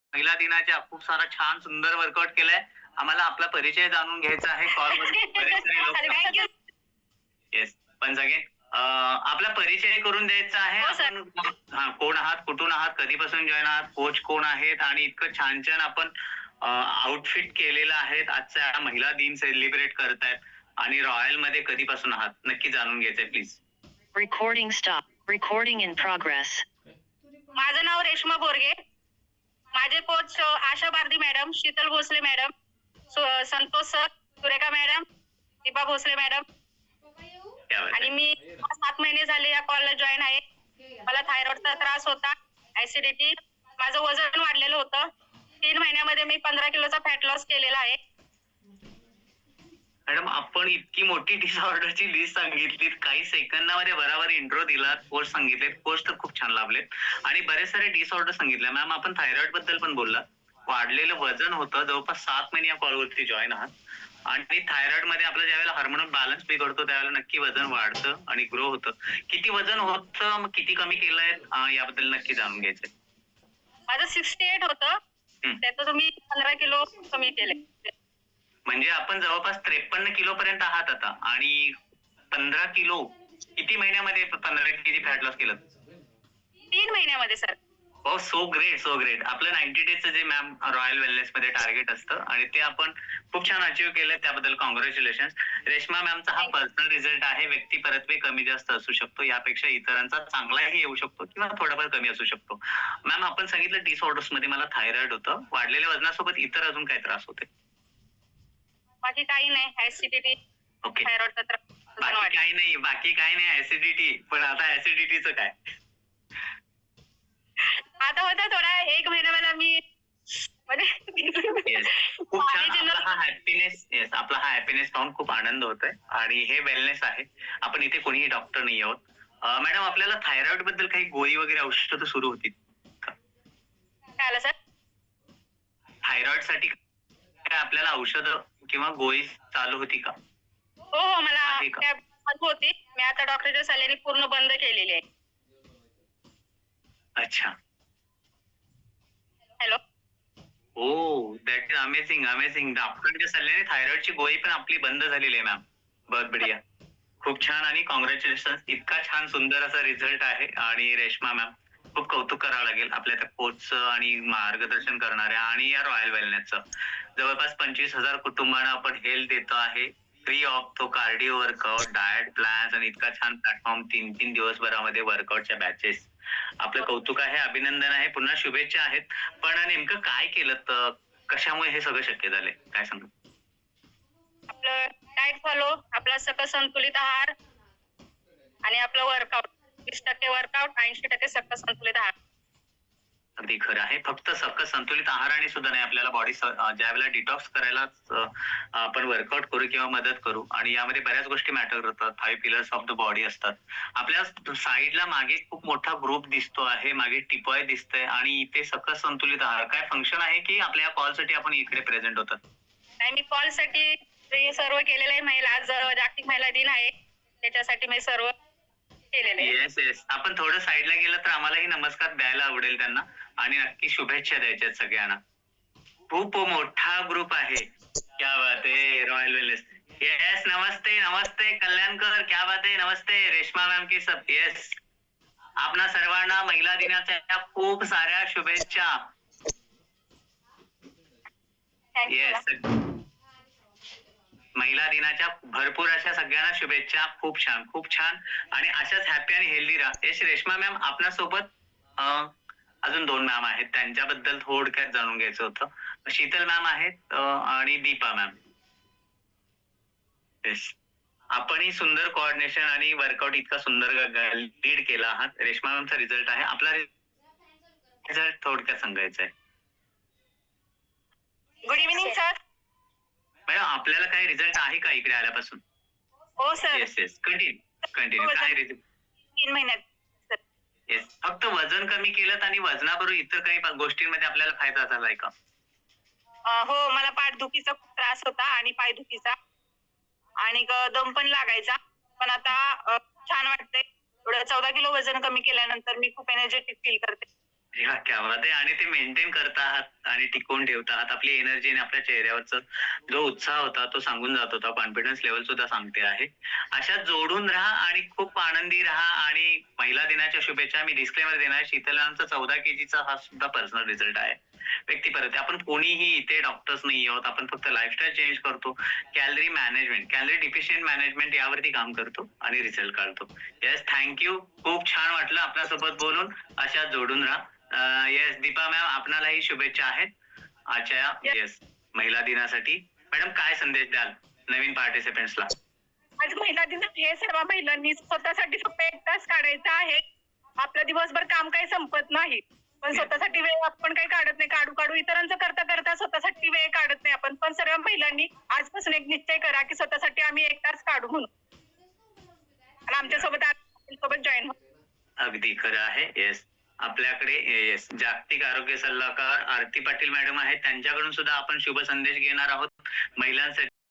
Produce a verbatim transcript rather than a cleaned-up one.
महिला दिनाच्या खूप सारा छान सुंदर वर्कआउट केलाय. आम्हाला आपला परिचय जाणून घ्यायचा आहे. कॉलमध्ये बरेच सारे लोक येस. वन्स अगेन आपला परिचय करून द्यायचा आहे. हो, सर. आपण हां, कोण आहात, कुठून आहात, कधीपासून जॉइन आहात, कोच कोण आहेत आणि इतकं छान-छान आपण आउटफिट केलेलं आहे. आजचा महिला दिन सेलिब्रेट करतायत आणि रॉयलमध्ये कधीपासून आहात नक्की जाणून घ्यायचंय please. Recording stop. Recording in progress. माझं नाव रेश्मा बोरगे. माझे coach Asha Bardi madam, Sheetal Bhosale madam, सु- Santosh sir, Surekha madam, Deepa Bhosale madam क्या बात आणि आहे. मी सात महिने झाले या कॉलला जॉईन आहे. मला थायरॉइडचा त्रास होता, ऍसिडिटी, माझं वजन वाढलेलं होतं. तीन महिन्यामध्ये मी पंधरा किलोचा फॅट लॉस केलेला आहे. मॅडम आपण इतकी मोठी डिसऑर्डरची लिस्ट सांगितलीत, काही सेकंदामध्ये बराबर इंट्रो दिला, कोर्स सांगितले, कोर्स तर खूप छान लाभलेत आणि बरेच सारे डिसऑर्डर सांगितले. मॅम आपण थायरॉइड बद्दल पण बोलला, वाढलेलं वजन होतं, जवळपास सात महिने या कॉलवरती जॉईन आहात आणि थायरॉइड मध्ये आपलं ज्यावेळेला हार्मोनल बॅलन्स बिघडतो त्यावेळेला नक्की वजन वाढतं आणि ग्रो होतं. किती वजन होतं, मग किती कमी केलंय याबद्दल नक्की जाणून घ्यायचंय. माझं सिक्स्टी एट होतं, त्याचं मी पंधरा किलो कमी केले. म्हणजे आपण जवळपास त्रेपन्न किलो पर्यंत आहात आता आणि पंधरा किलो किती महिन्यामध्ये पंधरा केजी फॅट लॉस केलं? तीन महिन्यामध्ये सर. हो, सो ग्रेट सो ग्रेट. आपलं नाईन्टी डेजचं जे मॅम रॉयल वेलनेस मध्ये टार्गेट असतं आणि ते आपण खूप छान अचीव्ह केलं, त्याबद्दल कॉंग्रॅच्युलेशन. रेश्मा मॅमचा हा पर्सनल रिझल्ट आहे. व्यक्ती परत्वे कमी जास्त असू शकतो, यापेक्षा इतरांचा चांगलाही येऊ शकतो किंवा थोडाफार कमी असू शकतो. मॅम आपण सांगितलं डिसऑर्डर्स मध्ये मला थायरॉइड होतं, वाढलेल्या वजनासोबत इतर अजून काय त्रास होते? बाकी काही नाही, ऍसिडिटी, ओके, थायरॉइडचा त्रास. बाकी काही नाही, बाकी काही नाही ऍसिडिटी. पण आता ऍसिडिटीचं काय? आता होता थोडा एक महिना मला मी म्हणजे खूप छान. आपला हा हॅपीनेस येस आपला हा हॅपीनेस पाहून खूप आनंद होतोय आणि हे वेलनेस आहे. आपण इथे कोणीही डॉक्टर नाही आहोत. मॅडम आपल्याला थायरॉइड बद्दल काही गोळी वगैरे औषधं सुरू होती का? काय आलं सर? थायरॉइड साठी काय आपल्याला औषधं किंवा गोळी चालू होती का? हो हो, मला आहे का? त्या होती. मी आता डॉक्टरच्या सल्ल्याने पूर्ण बंद केलेली आहे. अच्छा. हॅलो. हो, दॅट इज अमेझिंग अमेझिंग. डॉक्टरच्या सल्ल्याने थायरॉइडची गोळी पण आपली बंद झालेली आहे मॅम. बहुत बढिया, खूप छान आणि कॉंग्रॅच्युलेशन. इतका छान सुंदर असा रिझल्ट आहे आणि रेश्मा मॅम खूप कौतुक करावं लागेल आपल्या त्या कोचचं आणि मार्गदर्शन करणाऱ्या आणि या रॉयल वेलनेसचं. जवळपास पंचवीस हजार कुटुंबांना आपण हेल्थ देतो आहे, फ्री ऑफ तो कार्डिओ वर्कआउट, डाएट प्लॅन्स आणि इतका छान प्लॅटफॉर्म, तीन तीन दिवसभरामध्ये वर्कआउटच्या बॅचेस. आपलं कौतुक आहे, अभिनंदन आहे, पुन्हा शुभेच्छा आहेत. पण नेमकं काय केलं, तर कशामुळे हे सगळं शक्य झालंय, काय सांगा? आपलं डाएट फॉलो, आपला सकस संतुलित आहार आणि आपलं वर्कआउट. वीस टक्के वर्कआउट, ऐंशी टक्के सकस संतुलित आहार. अगदी खरं आहे. फक्त सकस संतुलित आहाराने सुद्धा नाही, आपल्याला बॉडी ज्यावेळेला डिटॉक्स करायला आपण वर्कआउट करू किंवा मदत करू आणि यामध्ये बऱ्याच गोष्टी मॅटर करतात. Five pillars of the body असतात. आपल्या साईडला मागे खूप मोठा ग्रुप दिसतो आहे, मागे टिपॉय दिसतंय आणि इथे सकस संतुलित आहार काय फंक्शन आहे की आपल्या कॉलसाठी आपण इकडे प्रेझेंट होतात? नाही, मी कॉलसाठी सर्व केलेलं आहे. महिला आज जागतिक महिला दिन आहे, त्याच्यासाठी मी सर्व केलेलं आहे. येस येस आपण थोडं साईडला गेलं तर आम्हालाही नमस्कार द्यायला आवडेल त्यांना आणि नक्की शुभेच्छा द्यायच्यात सगळ्यांना. खूप मोठा ग्रुप आहे. क्या बात आहे रॉयल वेलनेस. येस, नमस्ते नमस्ते कल्याणकर, क्या बात आहे, नमस्ते रेश्मा मॅम की सब. येस, आपणा सर्वांना महिला दिनाच्या खूप साऱ्या शुभेच्छा. येस, महिला दिनाच्या भरपूर अशा सगळ्यांना शुभेच्छा. खूप छान खूप छान आणि अशाच हॅपी आणि हेल्दी राहा. यश, रेश्मा मॅम आपल्यासोबत अजून दोन मॅम आहेत, त्यांच्याबद्दल थोडक्यात जाणून घ्यायचं होतं. शीतल मॅम आहेत आणि दीपा मॅम. येस, आपणही सुंदर कोऑर्डिनेशन आणि वर्कआउट इतका सुंदर लीड केला आहात. रेश्मा मॅमचा रिझल्ट आहे, आपला रिझल्ट थोडक्यात सांगायचा आहे. Good evening sir. मॅडम आपल्याला काही रिझल्ट आहे का इकडे आल्यापासून? हो sir. Yes yes continue continue. काय रिझल्ट? तीन महिन्यात. येस, फक्त वजन कमी केलं आणि वजनाबरोबर इतर काही गोष्टींमध्ये आपल्याला फायदा झालाय का? हो, मला पाठदुखीचा खूप त्रास होता आणि पायदुखीचा आणि दम पण लागायचा, पण आता छान वाटतंय. थोडं चौदा किलो वजन कमी केल्यानंतर मी खूप एनर्जेटिक फील करते. ह्या क्या बात आहे. आणि ते मेंटेन करत आहात आणि टिकवून ठेवत आहात. आपली एनर्जी आणि आपल्या चेहऱ्यावरचा जो उत्साह होता तो सांगून जात होता. कॉन्फिडन्स लेव्हल सुद्धा सांगते आहे. अशाच जोडून राहा आणि खूप आनंदी राहा. आणि महिला दिनाच्या शुभेच्छा. मी डिस्क्लेमर देणार, शीतलांचा चौदा केजीचा हा सुद्धा पर्सनल रिझल्ट आहे. व्यक्तिपरत्वे. आपण कोणीही इथे डॉक्टर्स नाही आहोत. आपण फक्त लाईफस्टाईल चेंज करतो. Calorie management, calorie deficient management यावरती काम करतो आणि रिझल्ट काढतो. Yes, thank you. खूप छान वाटलं आपल्यासोबत बोलून. अशाच जोडून राहा. येस दीपा मॅम, आपणालाही शुभेच्छा आहेत आजच्या येस महिला दिनासाठी. मॅडम, काय संदेश द्याल नवीन पार्टिसिपेंट्सला? आज महिला दिन हे सर्व महिलांनी स्वतःसाठी फक्त एक तास काढायचा आहे. आपलं दिवसभर काम काही संपत नाही, पण स्वतःसाठी वेळ आपण काही काढत नाही. काढू काढू इतरांचं करता करता स्वतःसाठी वेळ काढत नाही आपण. पण सर्व महिलांनी आजपासून एक निश्चय करा की स्वतःसाठी आम्ही एक तास काढू म्हणून, आणि आमच्यासोबत सोबत जॉईन हो. अगदी खरं आहे. येस, आपल्याकडे येस जागतिक आरोग्य सल्लागार आरती पाटील मॅडम आहेत. त्यांच्याकडून सुद्धा आपण शुभ संदेश घेणार आहोत महिलांसाठी.